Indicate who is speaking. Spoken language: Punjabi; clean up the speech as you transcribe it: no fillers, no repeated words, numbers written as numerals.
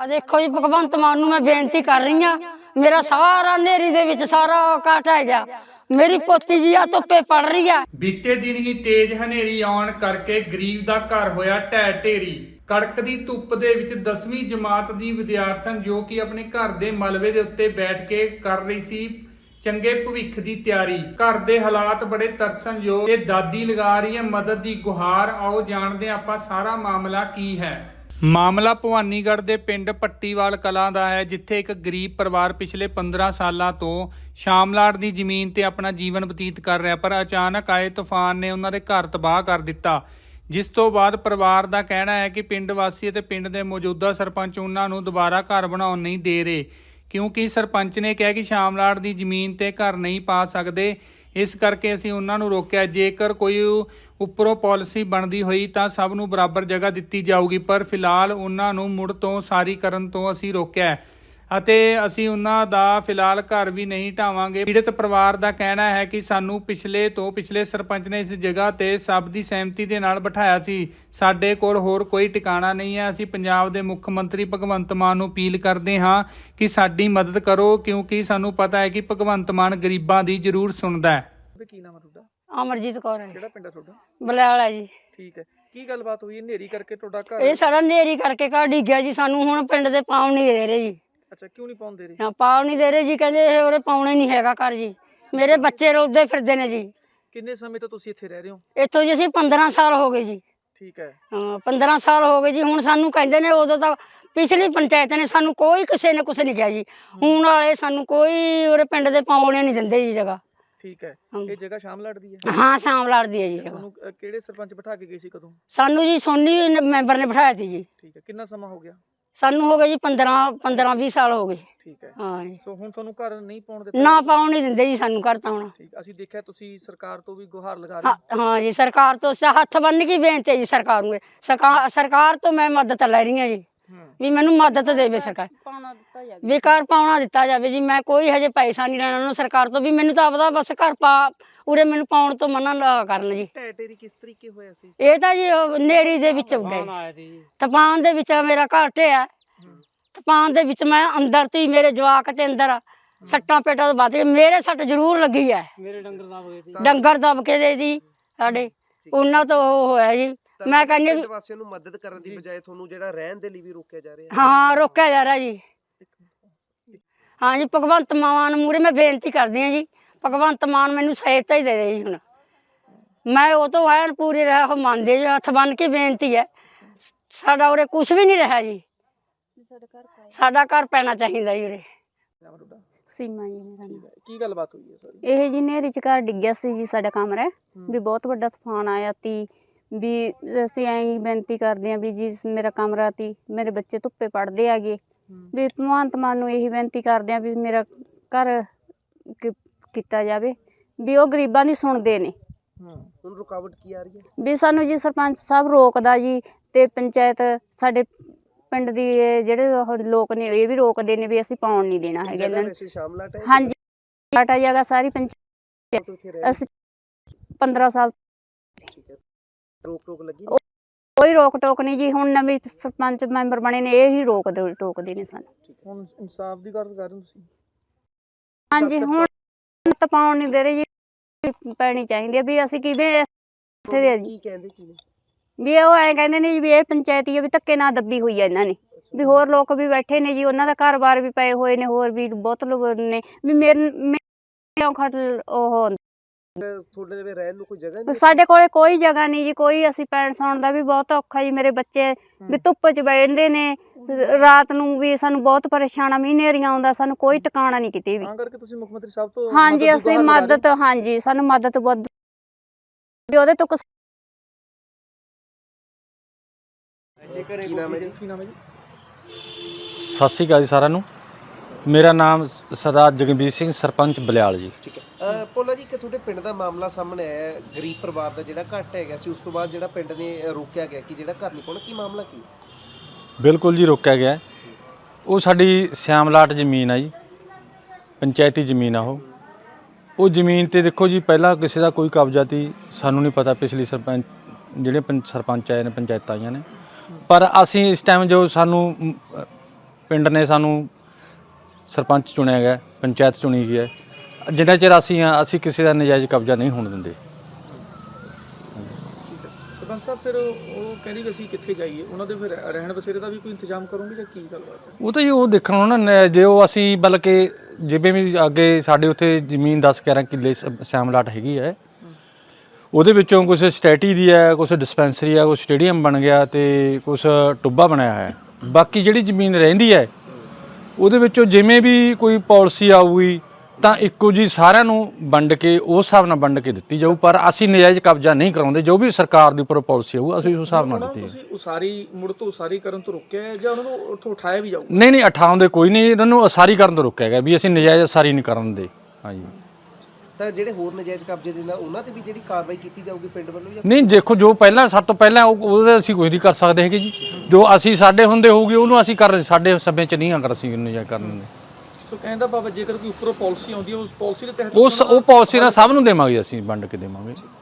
Speaker 1: ਆ ਦੇਖੋ ਜੀ ਭਗਵੰਤ ਮਾਨ ਨੂੰ मैं बेनती कर रही हाँ, मेरा सारा नेरी दे विच सारा काट है गया। मेरी पोती जी आ धुप्पे पड़ रही है।
Speaker 2: ਬੀਤੇ ਦਿਨ ਹੀ ਤੇਜ਼ ਹਨੇਰੀ ਆਉਣ ਕਰਕੇ ਗਰੀਬ ਦਾ ਘਰ ਹੋਇਆ ਢਹਿ ਢੇਰੀ। ਕੜਕਦੀ ਧੁੱਪ ਦੇ ਵਿੱਚ 10ਵੀਂ ਜਮਾਤ ਦੀ ਵਿਦਿਆਰਥਣ ਜੋ ਕਿ ਆਪਣੇ ਘਰ ਦੇ ਮਲਬੇ ਦੇ ਉੱਤੇ ਬੈਠ ਕੇ ਕਰ ਰਹੀ ਸੀ ਚੰਗੇ ਭਵਿੱਖ ਦੀ ਤਿਆਰੀ। ਘਰ ਦੇ ਹਾਲਾਤ ਬੜੇ ਤਰਸਣਯੋਗ ਤੇ ਦਾਦੀ ਲਗਾ ਰਹੀ ਹੈ ਮਦਦ ਦੀ ਗੁਹਾਰ। ਆਓ ਜਾਣਦੇ ਹਾਂ ਆਪਾਂ ਸਾਰਾ ਮਾਮਲਾ ਕੀ ਹੈ। ਮਾਮਲਾ ਭਵਾਨੀਗੜ੍ਹ ਦੇ ਪਿੰਡ ਪੱਟੀਵਾਲ ਕਲਾਂ ਦਾ ਹੈ, ਜਿੱਥੇ ਇੱਕ ਗਰੀਬ ਪਰਿਵਾਰ ਪਿਛਲੇ 15 ਸਾਲਾਂ ਤੋਂ ਸ਼ਾਮਲਾਟ ਦੀ ਜ਼ਮੀਨ ਤੇ ਆਪਣਾ ਜੀਵਨ ਬਤੀਤ ਕਰ ਰਿਹਾ, ਪਰ ਅਚਾਨਕ ਆਏ ਤੂਫਾਨ ਨੇ ਉਹਨਾਂ ਦੇ ਘਰ ਤਬਾਹ ਕਰ ਦਿੱਤਾ। ਜਿਸ ਤੋਂ ਬਾਅਦ ਪਰਿਵਾਰ ਦਾ ਕਹਿਣਾ ਹੈ ਕਿ ਪਿੰਡ ਵਾਸੀ ਅਤੇ ਪਿੰਡ ਦੇ ਮੌਜੂਦਾ ਸਰਪੰਚ ਉਹਨਾਂ ਨੂੰ ਦੁਬਾਰਾ ਘਰ ਬਣਾਉਣ ਨਹੀਂ ਦੇ ਰਹੇ, ਕਿਉਂਕਿ ਸਰਪੰਚ ਨੇ ਕਿਹਾ ਕਿ ਸ਼ਾਮਲਾਟ ਦੀ ਜ਼ਮੀਨ ਤੇ ਘਰ ਨਹੀਂ ਪਾ ਸਕਦੇ। ਇਸ ਕਰਕੇ ਅਸੀਂ ਉਹਨਾਂ ਨੂੰ ਰੋਕਿਆ, ਜੇਕਰ ਕੋਈ ਉੱਪਰੋਂ ਪਾਲਿਸੀ ਬਣਦੀ ਹੋਈ ਤਾਂ ਸਭ ਨੂੰ ਬਰਾਬਰ ਜਗ੍ਹਾ ਦਿੱਤੀ ਜਾਊਗੀ, ਪਰ ਫਿਲਹਾਲ ਉਹਨਾਂ ਨੂੰ ਮੁੜ ਤੋਂ ਸਾਰੀ ਕਰਨ ਤੋਂ ਅਸੀਂ ਰੋਕਿਆ ਅਤੇ ਅਸੀਂ ਉਹਨਾਂ ਦਾ ਫਿਲਹਾਲ ਘਰ ਵੀ ਨਹੀਂ ਢਾਵਾਂਗੇ। ਪੀੜਤ ਪਰਿਵਾਰ ਦਾ ਕਹਿਣਾ ਹੈ ਕਿ ਸਾਨੂੰ ਪਿਛਲੇ ਸਰਪੰਚ ਨੇ ਇਸ ਜਗ੍ਹਾ ਤੇ ਸਭ ਦੀ ਸਹਿਮਤੀ ਦੇ ਨਾਲ ਬਿਠਾਇਆ ਸੀ। ਸਾਡੇ ਕੋਲ ਹੋਰ ਕੋਈ ਟਿਕਾਣਾ ਨਹੀਂ ਹੈ। ਅਸੀਂ ਪੰਜਾਬ ਦੇ ਮੁੱਖ ਮੰਤਰੀ ਭਗਵੰਤ ਮਾਨ ਨੂੰ ਅਪੀਲ ਕਰਦੇ ਹਾਂ ਕਿ ਸਾਡੀ ਮਦਦ ਕਰੋ, ਕਿਉਂਕਿ ਸਾਨੂੰ ਪਤਾ ਹੈ ਕਿ ਭਗਵੰਤ ਮਾਨ ਗਰੀਬਾਂ ਦੀ ਜ਼ਰੂਰ ਸੁਣਦਾ ਹੈ।
Speaker 3: ਕੀ ਨਾਮ ਹੈ ਤੁਹਾਡਾ?
Speaker 1: अमरजीत कौर है।
Speaker 3: ਕਿਹੜਾ ਪਿੰਡ ਹੈ ਤੁਹਾਡਾ?
Speaker 1: बलैल है जी।
Speaker 3: ਠੀਕ ਹੈ, ਕੀ ਗੱਲਬਾਤ ਹੋਈ? ਹਨੇਰੀ ਕਰਕੇ ਤੁਹਾਡਾ ਘਰ
Speaker 1: ये सारा नेरी करके घर डिग्या जी। सानू हुण पिंड दे पाउण नहीं दे रहे जी।
Speaker 3: ਅੱਛਾ, ਕਿਉਂ ਨਹੀਂ ਪਾਉਂਦੇ ਰਹੇ?
Speaker 1: हाँ पाउण नहीं दे रहे जी, कहंदे ਇਹ ਉਹਦੇ ਪਾਉਣੇ ਨਹੀਂ ਹੈਗਾ ਘਰ ਜੀ। ਮੇਰੇ ਬੱਚੇ ਰੋਲਦੇ ਫਿਰਦੇ ਨੇ ਜੀ।
Speaker 3: ਕਿੰਨੇ ਸਮੇਂ ਤੋਂ ਤੁਸੀਂ ਇੱਥੇ ਰਹਿ ਰਹੇ ਹੋ?
Speaker 1: ਇੱਥੋਂ ਜੀ ਅਸੀਂ 15 ਸਾਲ ਹੋ ਗਏ ਜੀ।
Speaker 3: ਠੀਕ ਹੈ,
Speaker 1: ਹਾਂ 15 ਸਾਲ ਹੋ ਗਏ ਜੀ। ਹੁਣ ਸਾਨੂੰ ਕਹਿੰਦੇ ਨੇ, ਉਦੋਂ ਤਾਂ ਪਿਛਲੀ ਪੰਚਾਇਤ ਨੇ ਸਾਨੂੰ ਕੋਈ ਕਿਸੇ ਨੇ ਕੁਛ ਨਹੀਂ ਕਿਹਾ ਜੀ। ਹੁਣ ਵਾਲੇ ਸਾਨੂੰ ਕੋਈ ਉਹਦੇ ਪਿੰਡ ਦੇ ਪਾਉਣੇ ਨਹੀਂ ਦਿੰਦੇ ਜੀ ਜਗ੍ਹਾ।
Speaker 3: ਠੀਕ ਹੈ।
Speaker 1: ਹਾਂ।
Speaker 3: ਇਹ ਜਗ੍ਹਾ ਸ਼ਾਮਲਾਟ ਦੀ ਹੈ?
Speaker 1: ਹਾਂ ਸ਼ਾਮ ਲੜਦੀ ਹੈ ਜੀ ਜਗ੍ਹਾ।
Speaker 3: ਤੁਹਾਨੂੰ ਕਿਹੜੇ ਸਰਪੰਚ ਬਿਠਾ ਕੇ ਗਏ ਸੀ, ਕਦੋਂ?
Speaker 1: ਸਾਨੂੰ ਜੀ ਸੋਨੀ ਮੈਂਬਰ ਨੇ ਬਿਠਾਇਆ ਸੀ ਜੀ।
Speaker 3: ਠੀਕ ਹੈ, ਕਿੰਨਾ ਸਮਾਂ ਹੋ ਗਿਆ?
Speaker 1: ਸਾਨੂੰ ਹੋ ਗਏ ਜੀ 15-20 ਸਾਲ ਹੋ ਗਏ।
Speaker 3: ਠੀਕ ਹੈ।
Speaker 1: ਹਾਂ ਜੀ।
Speaker 3: ਸੋ ਹੁਣ ਤੁਹਾਨੂੰ ਘਰ ਨਹੀਂ ਪਾਉਣ ਦਿੱਤਾ?
Speaker 1: ਨਾ ਪਾਉਣ ਨਹੀਂ ਦਿੰਦੇ ਜੀ ਸਾਨੂੰ ਘਰ ਤਾਂ ਹੁਣ।
Speaker 3: ਠੀਕ, ਅਸੀਂ ਦੇਖਿਆ ਤੁਸੀਂ ਸਰਕਾਰ ਤੋਂ ਵੀ ਗੁਹਾਰ ਲਗਾ ਰਹੇ ਹੋ।
Speaker 1: ਹਾਂ ਜੀ, ਸਰਕਾਰ ਤੋਂ ਹੱਥ ਬੰਨ ਕੇ ਬੇਨਤੀ ਹੈ ਜੀ ਸਰਕਾਰ ਨੂੰ। ਸਰਕਾਰ ਤੋਂ ਮੈਂ ਮਦਦ ਲੈ ਰਹੀ ਹਾਂ ਜੀ, ਵੀ ਮੈਨੂੰ ਮਦਦ ਦੇਵੇ ਸਰਕਾਰ। ਵੀ ਘਰ ਪਾਉਣਾ ਦਿੱਤਾ ਜਾਵੇ ਜੀ। ਮੈਂ ਕੋਈ ਹਜੇ ਪੈਸਾ ਨਹੀਂ ਲੈਣਾ ਉਹਨਾਂ ਸਰਕਾਰ ਤੋਂ, ਵੀ ਮੈਨੂੰ ਤਾਂ ਆਪਦਾ ਬਸ ਘਰ ਪਾ ਉਰੇ ਮੈਨੂੰ ਪਾਉਣ ਤੋਂ ਮਨਾ ਨਾ ਕਰਨ ਜੀ।
Speaker 3: ਢਹਿ ਢੇਰੀ ਕਿਸ ਤਰੀਕੇ ਹੋਇਆ ਸੀ?
Speaker 1: ਇਹ ਤਾਂ ਜੀ ਨੇਰੀ ਦੇ ਵਿੱਚ ਗਏ, ਤੂਫਾਨ ਦੇ ਵਿੱਚ ਮੇਰਾ ਘਰ ਢਿਆ। ਤੂਫਾਨ ਦੇ ਵਿੱਚ ਮੈਂ ਅੰਦਰ ਤੀ, ਮੇਰੇ ਜਵਾਕ ਤੇ ਅੰਦਰ ਸੱਟਾਂ ਪੇਟਾਂ ਤੋਂ ਬਚ ਗਏ। ਮੇਰੇ ਸੱਟ ਜ਼ਰੂਰ ਲੱਗੀ ਹੈ,
Speaker 3: ਮੇਰੇ
Speaker 1: ਡੰਗਰ ਦਬ ਕੇ ਦੇ ਜੀ ਸਾਡੇ, ਉਹਨਾਂ ਤੋਂ ਉਹ ਹੋਇਆ ਜੀ। ਮੈਂ ਕਹਿੰਦੀ
Speaker 4: ਪਿੰਡ ਵਾਸੀਆਂ ਨੂੰ ਮਦਦ ਕਰਨ ਦੀ ਬਜਾਏ ਤੁਹਾਨੂੰ ਜਿਹੜਾ ਰਹਿਣ ਦੇ ਲਈ ਵੀ ਰੋਕਿਆ ਜਾ ਰਿਹਾ ਹੈ।
Speaker 1: ਹਾਂ ਰੋਕਿਆ ਜਾ ਰਿਹਾ ਜੀ। ਹਾਂ ਜੀ, ਭਗਵੰਤ ਮਾਨ ਮੂਹਰੇ ਮੈਂ ਬੇਨਤੀ ਕਰਦੀ ਹਾਂ ਜੀ, ਭਗਵੰਤ ਮਾਨ ਮੈਨੂੰ ਸਹਾਇਤਾ ਹੀ ਦੇ ਦੇ ਜੀ। ਹੁਣ ਮੈਂ ਉਹ ਤੋਂ ਐਨ ਪੂਰੀ ਰਹਿ ਉਹ ਮੰਨਦੇ ਜੀ, ਹੱਥ ਬੰਨ ਕੇ ਬੇਨਤੀ ਹੈ। ਸਾਡਾ ਉਰੇ ਕੁਛ ਵੀ ਨਹੀਂ ਰਿਹਾ ਜੀ, ਸਾਡਾ ਘਰ ਪੈਣਾ ਚਾਹੀਦਾ ਜੀ ਉਰੇ।
Speaker 5: ਸੀਮਾ ਜੀ ਮੇਰਾ ਨਾਮ।
Speaker 3: ਕੀ ਗੱਲਬਾਤ ਹੋਈ ਹੈ ਸਾਰੀ?
Speaker 5: ਇਹ ਜੀ ਨਹਿਰੀ ਚ ਘਰ ਡਿੱਗਿਆ ਸੀ ਜੀ ਸਾਡਾ ਕਮਰਾ, ਵੀ ਬਹੁਤ ਵੱਡਾ ਤੂਫਾਨ ਆਇਆ ਤੀ, ਵੀ ਅਸੀਂ ਐਂ ਬੇਨਤੀ ਕਰਦੇ ਹਾਂ ਵੀ ਜੀ ਮੇਰਾ ਕਮਰਾ ਤੀ, ਮੇਰੇ ਬੱਚੇ ਧੁੱਪੇ ਪੜ੍ਹਦੇ ਆਗੇ, ਵੀ ਭਗਵੰਤ ਮਾਨ ਨੂੰ ਇਹੀ ਬੇਨਤੀ ਕਰਦੇ ਹਾਂ ਵੀ ਮੇਰਾ ਘਰ ਕੀਤਾ ਜਾਵੇ, ਵੀ ਉਹ ਗਰੀਬਾਂ ਦੀ ਸੁਣਦੇ ਨੇ।
Speaker 4: ਹੁਣ ਰੁਕਾਵਟ ਕੀ ਆ ਰਹੀ ਹੈ?
Speaker 5: ਵੀ ਸਾਨੂੰ ਜੀ ਸਰਪੰਚ ਸਾਹਿਬ ਰੋਕਦਾ ਜੀ, ਤੇ ਪੰਚਾਇਤ ਸਾਡੇ ਪਿੰਡ ਦੀ ਜਿਹੜੇ ਉਹ ਲੋਕ ਨੇ ਇਹ ਵੀ ਰੋਕਦੇ ਨੇ ਵੀ ਅਸੀਂ ਪਾਉਣ ਨਹੀਂ ਦੇਣਾ ਹੈਗਾ ਇਹਨਾਂ ਨੂੰ।
Speaker 4: ਸ਼ਾਮਲਾਟ ਹੈ?
Speaker 5: ਹਾਂਜੀ, ਸਾਡਾ ਜਗ੍ਹਾ ਸਾਰੀ ਪੰਚਾਇਤ, ਅਸੀਂ 15 ਸਾਲ।
Speaker 4: ਰੋਕ ਲੱਗੀ?
Speaker 5: ਕੋਈ ਰੋਕ ਟੋਕ ਨਹੀਂ ਜੀ। ਹੁਣ ਨਵੇਂ ਸਰਪੰਚ ਮੈਂਬਰ ਬਣੇ ਨੇ, ਇਹ ਹੀ ਟੋਕਦੇ ਨੇ ਸਾਨੂੰ।
Speaker 3: ਹੁਣ ਇਨਸਾਫ ਦੀ ਗੱਲ ਕਰ ਰਹੇ ਹੋ ਤੁਸੀਂ?
Speaker 5: ਹਾਂਜੀ, ਹੁਣ ਤਾਂ ਪਾਉਣ ਨਹੀਂ ਦੇ ਰਹੇ ਜੀ, ਪੈਣੀ ਚਾਹੀਦੀ ਹੈ। ਵੀ ਅਸੀਂ ਕਿਵੇਂ
Speaker 4: ਕੀ ਕਹਿੰਦੇ ਕੀ ਨੇ?
Speaker 5: ਵੀ ਉਹ ਐਂ ਕਹਿੰਦੇ ਨੇ ਜੀ ਵੀ ਇਹ ਪੰਚਾਇਤੀ ਹੈ, ਵੀ ਧੱਕੇ ਨਾਲ ਦੱਬੀ ਹੋਈ ਹੈ ਇਹਨਾਂ ਨੇ, ਵੀ ਹੋਰ ਲੋਕ ਵੀ ਬੈਠੇ ਨੇ ਜੀ, ਉਹਨਾਂ ਦਾ ਘਰ-ਬਾਰ ਵੀ ਪਏ ਹੋਏ ਨੇ, ਹੋਰ ਵੀ ਬਹੁਤ ਲੋਕ ਨੇ, ਵੀ ਮੇਰੇ ਖਟ ਉਹ
Speaker 4: ਤੁਹਾਡੇ ਲਈ ਰਹਿਣ ਨੂੰ ਕੋਈ ਜਗ੍ਹਾ ਨਹੀਂ?
Speaker 5: ਸਾਡੇ ਕੋਲੇ ਕੋਈ ਜਗ੍ਹਾ ਨਹੀਂ ਜੀ, ਕੋਈ ਅਸੀਂ ਪੈਣ ਸੌਣ ਦਾ ਵੀ ਬਹੁਤ ਔਖਾ ਜੀ। ਮੇਰੇ ਬੱਚੇ ਵੀ ਧੁੱਪ 'ਚ ਬੈਠਦੇ ਨੇ ਰਾਤ ਨੂੰ, ਵੀ ਸਾਨੂੰ ਬਹੁਤ ਪਰੇਸ਼ਾਨ ਆ, ਮਹੀਨੇਰੀਆਂ ਆਉਂਦਾ, ਸਾਨੂੰ ਕੋਈ ਟਿਕਾਣਾ ਨਹੀਂ ਕਿਤੇ ਵੀ।
Speaker 3: ਤਾਂ ਕਰਕੇ ਤੁਸੀਂ ਮੁੱਖ ਮੰਤਰੀ ਸਾਹਿਬ ਤੋਂ
Speaker 5: ਹਾਂਜੀ, ਅਸੀਂ ਮਦਦ, ਹਾਂਜੀ ਸਾਨੂੰ ਮਦਦ ਬਹੁਤ ਉਹਦੇ ਤੋਂ।
Speaker 4: ਕੀ ਨਾਮ ਹੈ ਜੀ?
Speaker 6: ਸਤਿ ਸ਼੍ਰੀ ਅਕਾਲ ਜੀ ਸਾਰਿਆਂ ਨੂੰ। ਮੇਰਾ ਨਾਮ ਸਰਦਾਰ ਜਗਬੀਰ ਸਿੰਘ, ਸਰਪੰਚ ਬਲਿਆਲ ਜੀ।
Speaker 4: ਠੀਕ ਹੈ। ਭੋਲਾ ਜੀ, ਕਿ ਤੁਹਾਡੇ ਪਿੰਡ ਦਾ ਮਾਮਲਾ ਸਾਹਮਣੇ ਆਇਆ, ਗਰੀਬ ਪਰਿਵਾਰ ਦਾ ਜਿਹੜਾ ਘੱਟ ਹੈਗਾ ਸੀ, ਉਸ ਤੋਂ ਬਾਅਦ ਜਿਹੜਾ ਪਿੰਡ ਨੇ ਰੋਕਿਆ ਗਿਆ ਕਿ ਜਿਹੜਾ ਘਰ ਨਹੀਂ ਪਾਉਣਾ, ਕੀ ਮਾਮਲਾ ਕੀ?
Speaker 6: ਬਿਲਕੁਲ ਜੀ, ਰੋਕਿਆ ਗਿਆ। ਉਹ ਸਾਡੀ ਸ਼ਾਮਲਾਟ ਜ਼ਮੀਨ ਆ ਜੀ, ਪੰਚਾਇਤੀ ਜ਼ਮੀਨ ਆ ਉਹ ਜ਼ਮੀਨ 'ਤੇ ਦੇਖੋ ਜੀ, ਪਹਿਲਾਂ ਕਿਸੇ ਦਾ ਕੋਈ ਕਬਜ਼ਾ ਤੀ, ਸਾਨੂੰ ਨਹੀਂ ਪਤਾ। ਪਿਛਲੀ ਸਰਪੰਚ ਆਏ ਨੇ, ਪੰਚਾਇਤਾਂ ਆਈਆਂ ਨੇ, ਪਰ ਅਸੀਂ ਇਸ ਟਾਈਮ ਜੋ ਸਾਨੂੰ ਪਿੰਡ ਨੇ ਸਾਨੂੰ ਸਰਪੰਚ ਚੁਣਿਆ ਗਿਆ, ਪੰਚਾਇਤ ਚੁਣੀ ਗਈ ਹੈ। ਜਿੰਨਾ ਚਿਰ ਅਸੀਂ ਕਿਸੇ ਦਾ ਨਜਾਇਜ਼ ਕਬਜ਼ਾ ਨਹੀਂ ਹੋਣ ਦਿੰਦੇ।
Speaker 3: ਠੀਕ ਹੈ ਸਰਪੰਚ ਸਾਹਿਬ, ਫਿਰ ਉਹ ਕਹਿੰਦੀ ਵੀ ਅਸੀਂ ਕਿੱਥੇ ਜਾਈਏ, ਉਹਨਾਂ ਦੇ ਫਿਰ ਰਹਿਣ ਬਸੇਰੇ ਦਾ ਵੀ ਕੋਈ ਇੰਤਜ਼ਾਮ ਕਰੋਗੇ ਜਾਂ ਕੀ ਗੱਲਬਾਤ ਹੈ?
Speaker 6: ਉਹ ਤਾਂ ਜੀ ਉਹ ਦੇਖਣ ਨੂੰ ਨਾ, ਜੇ ਉਹ ਅਸੀਂ ਬਲਕਿ ਜਿਵੇਂ ਵੀ ਅੱਗੇ ਸਾਡੇ ਉੱਥੇ ਜ਼ਮੀਨ 10-11 ਕਿੱਲੇ ਸ਼ਾਮਲਾਟ ਹੈਗੀ ਹੈ, ਉਹਦੇ ਵਿੱਚੋਂ ਕੁਛ ਸਟੈਟੀ ਦੀ ਹੈ, ਕੁਛ ਡਿਸਪੈਂਸਰੀ ਹੈ, ਕੁਛ ਸਟੇਡੀਅਮ ਬਣ ਗਿਆ ਤੇ ਕੁਛ ਟੁੱਬਾ ਬਣਾਇਆ ਹੈ। ਬਾਕੀ ਜਿਹੜੀ ਜ਼ਮੀਨ ਰਹਿੰਦੀ ਹੈ ਉਹਦੇ ਵਿੱਚੋਂ ਜਿਵੇਂ ਵੀ ਕੋਈ ਪਾਲਿਸੀ ਆਊਗੀ ਤਾਂ ਇੱਕੋ ਜੀ ਸਾਰਿਆਂ ਨੂੰ ਵੰਡ ਕੇ ਉਸ ਹਿਸਾਬ ਨਾਲ ਵੰਡ ਕੇ ਦਿੱਤੀ ਜਾਊ, ਪਰ ਅਸੀਂ ਨਜਾਇਜ਼ ਕਬਜ਼ਾ ਨਹੀਂ ਕਰਾਉਂਦੇ। ਜੋ ਵੀ ਸਰਕਾਰ ਦੀ ਉੱਪਰ ਪਾਲਿਸੀ ਆਊ ਅਸੀਂ ਉਸ ਹਿਸਾਬ ਨਾਲ ਦਿੱਤੀ ਹੈ।
Speaker 3: ਤੁਸੀਂ ਉਸਾਰੀ ਕਰਨ ਤੋਂ ਰੋਕਿਆ ਹੈ ਜਾਂ ਉਹਨਾਂ ਨੂੰ ਉੱਥੋਂ ਉਠਾਇਆ ਵੀ ਜਾਊਗਾ?
Speaker 6: ਨਹੀਂ ਉਠਾਉਂਦੇ ਕੋਈ ਨਹੀਂ, ਇਹਨਾਂ ਨੂੰ ਉਸਾਰੀ ਕਰਨ ਤੋਂ ਰੋਕਿਆ ਗਿਆ ਵੀ ਅਸੀਂ ਨਜਾਇਜ਼ ਉਸਾਰੀ ਨਹੀਂ ਕਰਨ ਦੇ। ਹਾਂਜੀ,
Speaker 4: ਤਾਂ ਜਿਹੜੇ ਹੋਰ ਨਜਾਇਜ਼ ਕਬਜ਼ੇ ਦੇ ਨਾਲ ਉਹਨਾਂ ਤੇ ਵੀ ਜਿਹੜੀ ਕਾਰਵਾਈ ਕੀਤੀ ਜਾਊਗੀ ਪਿੰਡ ਵੱਲੋਂ ਜਾਂ
Speaker 6: ਨਹੀਂ ਦੇਖੋ ਜੋ ਪਹਿਲਾਂ ਸਭ ਤੋਂ ਪਹਿਲਾਂ ਉਹਦਾ ਅਸੀਂ ਕੁਝ ਨਹੀਂ ਕਰ ਸਕਦੇ ਹੈਗੇ ਜੀ। ਜੋ ਅਸੀਂ ਸਾਡੇ ਹੁੰਦੇ ਹੋਊਗੀ ਉਹਨੂੰ ਅਸੀਂ ਕਰ, ਸਾਡੇ ਸਮੇਂ 'ਚ ਨਹੀਂ ਅਗਰ ਅਸੀਂ ਨਜਾਇਜ਼ ਕਰਨ ਦੇ।
Speaker 3: ਸੋ ਕਹਿੰਦਾ ਬਾਬਾ ਜੇਕਰ ਕੋਈ ਉੱਪਰੋਂ ਪਾਲਿਸੀ ਆਉਂਦੀ ਹੈ ਉਸ ਪਾਲਿਸੀ ਦੇ ਤਹਿਤ
Speaker 6: ਉਹ ਪਾਲਿਸੀ ਨਾਲ ਸਭ ਨੂੰ ਦੇਵਾਂਗੇ, ਅਸੀਂ ਵੰਡ ਕੇ ਦੇਵਾਂਗੇ।